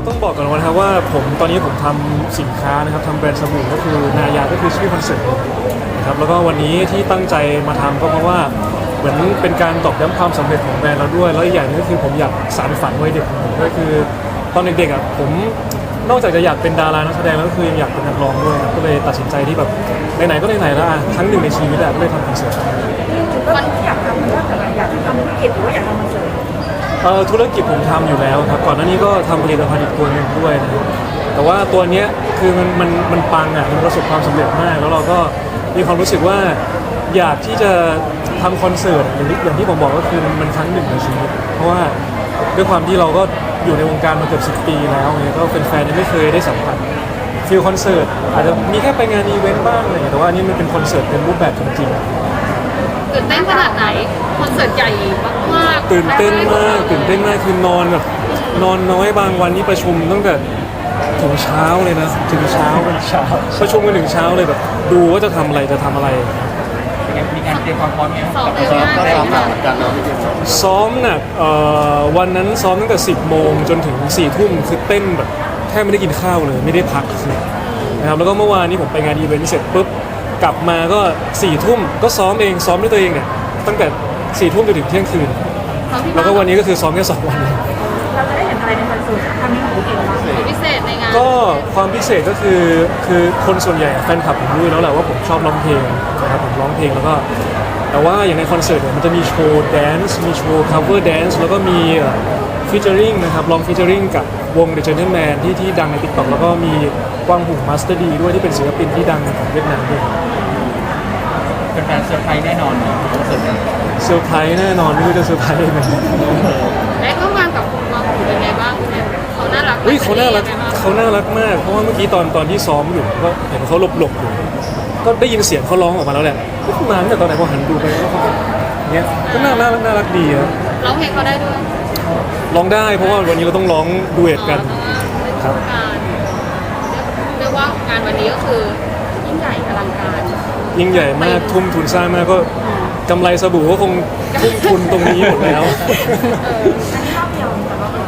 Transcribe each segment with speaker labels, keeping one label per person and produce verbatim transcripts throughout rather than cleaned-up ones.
Speaker 1: ต้องบอกก่อนนะครับว่าผมตอนนี้ผมทำสินค้านะครับทำแบรนด์สบู่ก็คือนายาก็คือชื่อคอนเซ็ปต์นะครับแล้วก็วันนี้ที่ตั้งใจมาทำก็เพราะว่าเหมือนเป็นการตอกย้ำความสำเร็จของแบรนด์เราด้วยแล้วอีกอย่างนึงก็คือผมอยากสานฝันวัยเด็กของผมก็คือตอนเด็กๆอ่ะผมนอกจากจะอยากเป็นดารานักแสดงแล้วก็คือยังอยากเป็นนักร้องด้วยครับก็เลยตัดสินใจที่แบบไหนๆก็ไหนๆแล้วอ่ะครั้งหนึ่งในชีวิตอ่ะก็เลยทำคอนเสิร์ต
Speaker 2: วันที่อยากทำมันก็แต่ละอยากทำธุรกิจหรือว่าอยากทำคอนเสิร์ต
Speaker 1: เอ่อธุรกิจผมทำอยู่แล้วครับก่อนหน้านี้ก็ทำผลิตภัณฑ์อีกตัวหนึ่งด้วยนะครับแต่ว่าตัวเนี้ยคือมันมันมันปังอ่ะมันประสบความสำเร็จมากแล้วเราก็มีความรู้สึกว่าอยากที่จะทำคอนเสิร์ตอย่างที่อย่างที่ผมบอกก็คือมันมันครั้งหนึ่งในชีวิตเพราะว่าด้วยความที่เราก็อยู่ในวงการมาเกือบสิบปีแล้วเนี่ยก็แฟนๆยังไม่เคยได้สัมผัสฟิลคอนเสิร์ตอาจจะมีแค่ไปงานอีเวนต์บ้างอะไรอย่างเงี้ยแต่ว่าอันนี้มันเป็นคอนเสิร์ตเป็นรูปแบบจริงๆ
Speaker 3: ตื่นเต้นขนาดไหนคอนเสิร์ตใหญ่มากๆ
Speaker 1: ตื่นเต้นมากตื่นเต้นมากคือนอนแบบนอนน้อยบางวันนี่ประชุมตั้งแต่ถึงเช้าเลยนะถึงเช้าเช้าประชุมกันถึงเช้าเลยแบบดูว่าจะทำอะไรจะทำอะไร
Speaker 4: มีการเตรียมความพร้อมไหม
Speaker 3: สองเดือน
Speaker 5: ซ้อม
Speaker 3: มาก
Speaker 5: ก็
Speaker 3: เลย
Speaker 5: ซ้อมหนั
Speaker 3: ค่ะ
Speaker 5: กเหมือนกันเนาะพี่เจมส์
Speaker 1: ซ้อมหนักเอ่อวันนั้นซ้อมตั้งแต่สิบโมงจนถึงสี่ทุ่มคือเต้นแบบแทบไม่ได้กินข้าวเลยไม่ได้พักเลยนะครับแล้วก็เมื่อวานนี้ผมไปงานอีเวนต์เสร็จปุ๊บกลับมาก็สี่ทุ่มก็ซ้อมเองซ้อมด้วยตัวเองเนี่ยตั้งแต่สี่ทุ่มจนถึงเที่ยงคืนแล้วก็วันนี้ก็คือซ้อมแค่สองวัน
Speaker 2: เราจะได้เห็นอะไรในคอนเสิร์ตครั้งนี้ของพี่เองบ้าง
Speaker 3: พิเศษในงาน
Speaker 1: ก็ความพิเศษก็คือคือคนส่วนใหญ่แฟนคลับผมรู้อยู่แล้วแหละว่าผมชอบร้องเพลงนะครับผมร้องเพลงแล้วก็แต่ว่าอย่างในคอนเสิร์ตเนี่ยมันจะมีโชว์แดนซ์มีโชว์ cover dance แล้วก็มีฟีเจอริงนะครับลองฟีเจอริงกับวง The Gentleman ที่ที่ดังใน TikTok แล้วก็มีกวางหุ่งมาสเตอร์ดีด้วยที่เป็นศิลปินที่ดังของเวียดนามด้วย
Speaker 4: เป็นแฟนเซอร์ไพรส์แน่นอนคอนเสิร์ตนี้
Speaker 1: เซอร์ไพรส์แน่นอนไม่รู้จะเซอร์ไพรส์ยังไง
Speaker 3: ได้ร่วมงานกับคุณมาหูเป็นไงบ้างเนี่ยเขาน่ารัก
Speaker 1: เฮ้ยเขาน่ารัก
Speaker 3: ป็นยังไงบ้ง
Speaker 1: เขาน่ารักมากเพราะว่าเมื่อกี้ตอนตอนที่ซ้อมอยู่ก็เห็นเขาหลบๆอยู่ก็ได้ยินเสียงเขาร้องออกมาแล้วแหละก็เพิ่งมาตั้งแต่ตอนไหนพอหันดูไปก็เขาเนี้ยก็น่าน่าน่ารักดีครับ
Speaker 3: ร้องเพลงเขาได้ด้วย
Speaker 1: ร้องได้เพราะว่าวันนี้เราต้องร้องดูเอทกัน
Speaker 3: อ๋อเพราะว่าเป็นการเรียกว่างานวันนี้ก็คือยิ่งใหญ่อลังการ
Speaker 1: ยิ่งใหญ่มากทุ่มทุนสร้างมากก็กำไรสบู่ก็คงทุ่มทุนตรงนี้หมดแล้ว
Speaker 2: อันนี้รอบเดียวแต่ว่าร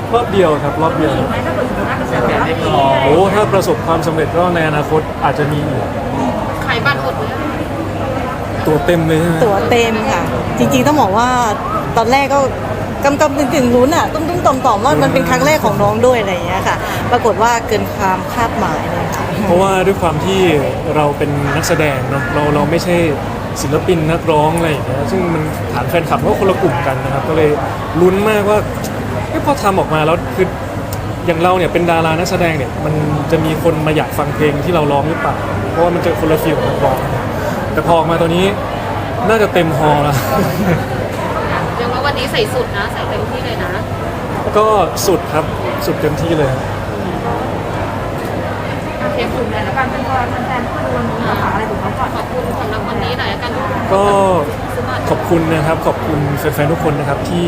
Speaker 1: อบเดียวครับรอบเดียว
Speaker 2: ไม่ถ้าเกิดสมมติว่ากระแสตอบรับดี
Speaker 1: โอ้ถ้าประสบความสำเร็จก็ในอนาคตอาจจะมีอีก
Speaker 3: ขายบัตรหมดเลย
Speaker 1: ตัวเต็มเลยใช่ไหม
Speaker 6: ตั๋วเต็มค่ะ จริงๆต้องบอกว่าตอนแรกก็กำกำกึ่งๆลุ้นอ่ะตุ้มตุ้มต่อมต่อมๆว่ามันเป็นครั้งแรกของน้องด้วยอะไรอย่างเงี้ยค่ะ ปรากฏว่าเกินความคาดหมายเลยค่ะ
Speaker 1: เพราะว่าด้วยความที่เราเป็นนักแสดงเนาะเราเราไม่ใช่ศิลปินนักร้องอะไรอย่างเงี้ยซึ่งมันฐานแฟนคลับก็คนละกลุ่มกันนะครับก็เลยลุ้นมากว่าเอ๊ะพอทำออกมาแล้วคืออย่างเราเนี่ยเป็นดารานักแสดงเนี่ยมันจะมีคนมาอยากฟังเพลงที่เราร้องหรือเปล่าเพราะว่ามันจะคนละฟิลกับนักร้องแต่พอออกมาตัวนี้น่าจะเต็มฮอลล์แล้ว
Speaker 3: เรียกว่าวันนี้ใส่สุดนะ ใส่เต็มที่เลยนะ
Speaker 1: ก็สุดครับสุดเต็มที่เลยครับ
Speaker 2: โอเคกลุ่มไหนแล้วกันเป็นพอแฟนๆก็ดูวันนี้ฝากอะไรถึงเขาก่อน
Speaker 3: ขอบคุณสำหรับวันนี้หน่อยละกัน
Speaker 1: ก็
Speaker 3: ซื้อบัตร
Speaker 1: ขอบคุณนะครับขอบคุณแฟนๆทุกคนนะครับที่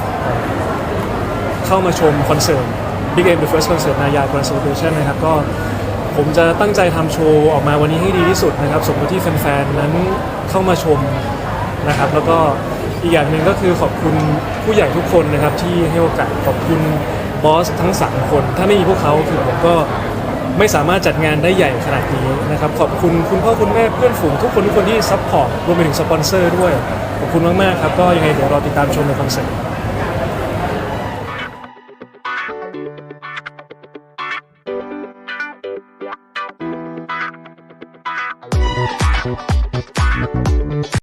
Speaker 1: เข้ามาชมคอนเสิร์ต Big M The First Concert นายา Grand Celebration นะครับก็ผมจะตั้งใจทำโชว์ออกมาวันนี้ให้ดีที่สุดนะครับสมกับที่แฟนๆนั้นเข้ามาชมนะครับแล้วก็อีกอย่างหนึ่งก็คือขอบคุณผู้ใหญ่ทุกคนนะครับที่ให้โอกาสขอบคุณบอสทั้งสามคนถ้าไม่มีพวกเขาคือผมก็ไม่สามารถจัดงานได้ใหญ่ขนาดนี้นะครับขอบคุณคุณพ่อคุณแม่เพื่อนฝูงทุกคนทุกคนที่ซัพพอร์ตรวมไปถึงสปอนเซอร์ด้วยขอบคุณมากๆครับก็ยังไงเดี๋ยวรอติดตามชมในคอนเสิร์ต